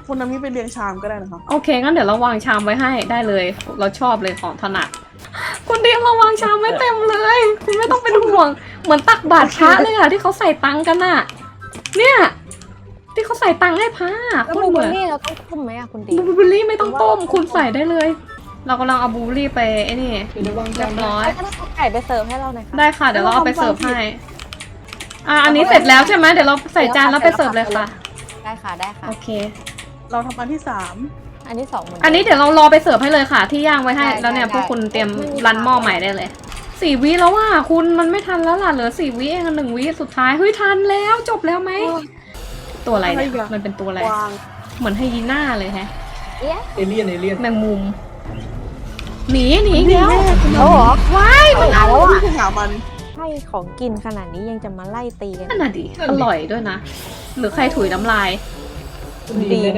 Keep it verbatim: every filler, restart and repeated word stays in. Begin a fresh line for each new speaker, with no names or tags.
คุณน้ำนี้ไปเรียงชามก็ได้นะคะ
โอเคงั้นเดี๋ยวเราวางชามไว้ให้ได้เลย เราชอบเลยของถนัดคุณเดียมเราวางชามไว้เต็มเลยคุณไม่ต้องเป็นห่วงเหมือนตักบาตรพระเลยอะที่เขาใส่ตังกันอะเนี่ยที่เขาใส่ตังให้พระ
แล้ว
คุณ
บู
เห
เบ
มื
อ
อน
รี่เราต้องต้มไหมอะคุณดี
บลูเบอร์รี่ไม่ต้องต้มคุณใส่ได้เลย เรากำลังเอาบลูเบอร์รี่ไปไอ้นี่
เดี๋ยววาง
เรี
จาย น
บร้อย
ถ้าเอาไก่ไปเสิร์ฟให้เราหน่อยค่ะ
ได้ค่ะเดี๋ยวเราเอาไปเสิร์ฟให้อ่ะอันนี้เสร็จแล้วใช่ไหมเดี๋ยวเราใส่จานแล้วไปเสิร์ฟเลยค่ะ
ได้ค่ะได้ค่ะ
โอเค
เราทำอันที่สาม
อันที่สองเหมือน
อันนี้เดี๋ยวเรารอไปเสิร์ฟให้เลยค่ะ ที่ย่างไว้ให้
ได้
แล้วเนี่ย
ได้
พวกคุณเตรียม
ไม่มี
รันหม้อ
ปัญหา
ใหม่ได้เลยสี่วิแล้วว่ะคุณมันไม่ทันแล้วล่ะเหลือสี่วิเองหนึ่งวิสุดท้ายเฮ้ยทันแล้วจบแล้วไหมตัวอะไรเนี่ยมันเป็นตัวอะไร
วาง
เหมือนไฮยีน่าเลยแฮะ
เอ๊ะ
เอเลี่ยนเอเลี่ยน
แมงมุมหนีหนีอีกแล้ว
เอาเหรอ
ว้ายมัน
เอาแล้ว
ที่
อะ
จะหามัน
ให้ของกินขนาดนี้ยังจะมาไล่ตีกัน
นั่นน่ะดิอร่อยด้วยนะ หรือใครถุยน้ำลาย
ดี